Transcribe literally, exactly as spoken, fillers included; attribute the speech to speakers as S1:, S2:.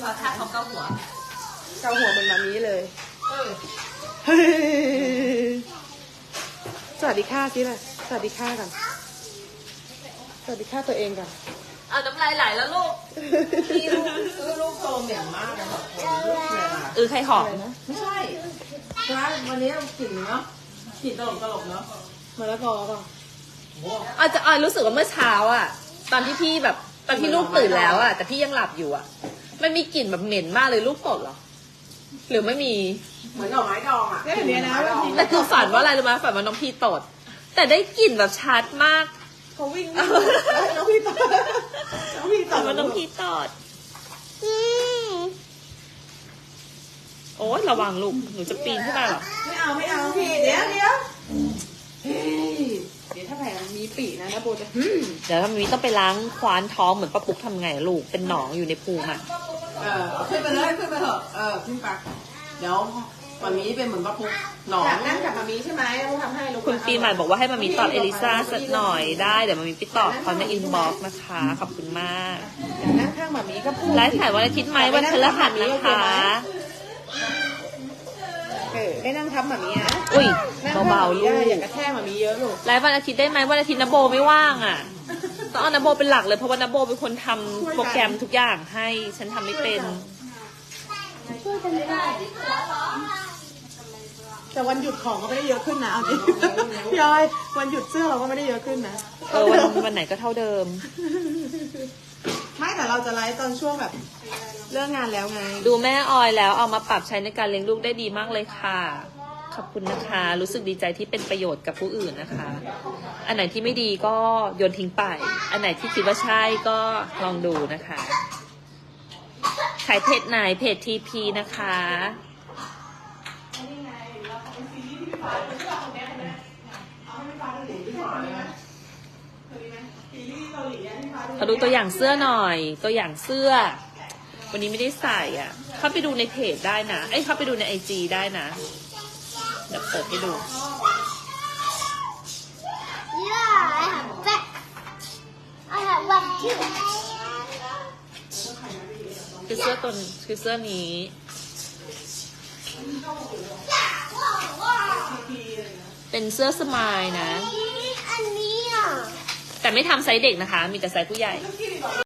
S1: เขาท่าเขาเกาหัว
S2: เกาหัวเหมือนมามีเลยสวัสดีค่ะสิล่ะสวัสดีค่ะกันสวัสดีค่ะตัวเองกัน
S1: เอาน้ำลายไหลแล้วลูก
S3: พี่ลูกซื้อลูกโตเหม็นมากเลยค่ะลูกเนี่ย
S1: เออใครหอม
S3: ไม่ใช่ใช่วันนี้กลิ่นเนาะกลิ่นตลกตลกเนาะ
S2: มะละกอป่ะ
S1: อาจจะอารู้สึกว่าเมื่อเช้าอ่ะตอนที่พี่แบบตอนที่ลูกตื่นแล้วอ่ะแต่พี่ยังหลับอยู่อ่ะมันมีกลิ่นแบบเหม็นมากเลยลูกตดเหรอหรือไม่มี
S3: เหมือนดอกไม้ดองอ่ะ
S2: ได้แบบนี้นะ
S1: แต่คือฝันว่าอะไรรู้ไหมฝันว่าน้องพี่ตดแต่ได้กลิ่นแบบชัดมาก
S2: เขาวิ่งน้องพี่ตดน้องพี่ตด
S1: ว่าน้องพี่ตดโอ๊ยระวังลูกหนูจะปีนขึ้นมาหรอ
S2: ไม่เอาไม่เอาพี่เดี๋ยวเดี๋ยวเดี๋ยวถ้าแผลมีปีนะนะโบจะ
S1: เดี๋ยวถ้ามีต้องไปล้างคว้านท้องเหมือนป้าปุ๊กทำไงลูกเป็นหนองอยู่ในพุงอ่ะ
S3: เออขึ้นไปเลยขึ้นไปเถอะเออขึ้นไปเดี๋ยวมามีเป็นเหมือนป้าปุ๊กหนอง
S2: นั่งกับมามีใช่ไหมเราทำให้ลูก
S1: คุณปีใหม่บอกว่าให้มามีตอบเอลิซ่าสักหน่อยได้เดี๋ยวมามีไปตอบเขาในอินบ็อกซ์นะคะขอบคุณมาก
S2: นั่งข้างมามีก็พูด
S1: ไลฟ์ถ่ายวันอาทิตย์ไหมวันพฤหัสนะคะ
S2: เออได้นั่งทับมามีนะ
S1: อุ้ยเบาๆลูก
S2: อย่ากระแทกมามีเยอะลูก
S1: ไลฟ์วันอาทิตย์ได้ไหมวันอาทิตย์นโบไม่ว่างอ่ะต้องเอานโบเป็นหลักเลยเพราะว่านโบเป็นคนทำโปรแกรมทุกอย่างให้ฉันทำไม่เป็น
S2: ช่วยกันไม่ได้แต่วันหยุดของก็ไม่ได้เยอะขึ้นนะเอาจริงพี่อ้อยวันหยุดเสื้อเราก็ไม่ได้เยอะขึ้นนะ
S1: เออวันวันไหนก็เท่าเดิม
S2: ไม่แต่เราจะไลฟ์ตอนช่วงแบบเลิกงานแล้วไง
S1: ดูแม่ออยแล้วเอามาปรับใช้ในการเลี้ยงลูกได้ดีมากเลยค่ะขอบคุณนะคะรู้สึกดีใจที่เป็นประโยชน์กับผู้อื่นนะคะอันไหนที่ไม่ดีก็โยนทิ้งไปอันไหนที่คิดว่าใช่ก็ลองดูนะคะขายเพจไหนเพจทีพีนะคะเขาดูตัวอย่างเสื้อหน่อยตัวอย่างเสื้อวันนี้ไม่ได้ใส่อ่ะเข้าไปดูในเพจได้นะเอ้ยเข้าไปดูในไอจีได้นะเดี๋ยวเปิดให้ดู
S4: Yeah, I have back. I have one too.
S1: คือเสื้อตัวคือเสื้อนี้เป็นเสื้อสมายนะ
S4: อันนี้อ่ะ
S1: แต่ไม่ทำไซส์เด็กนะคะมีแต่ไซส์ผู้ใหญ่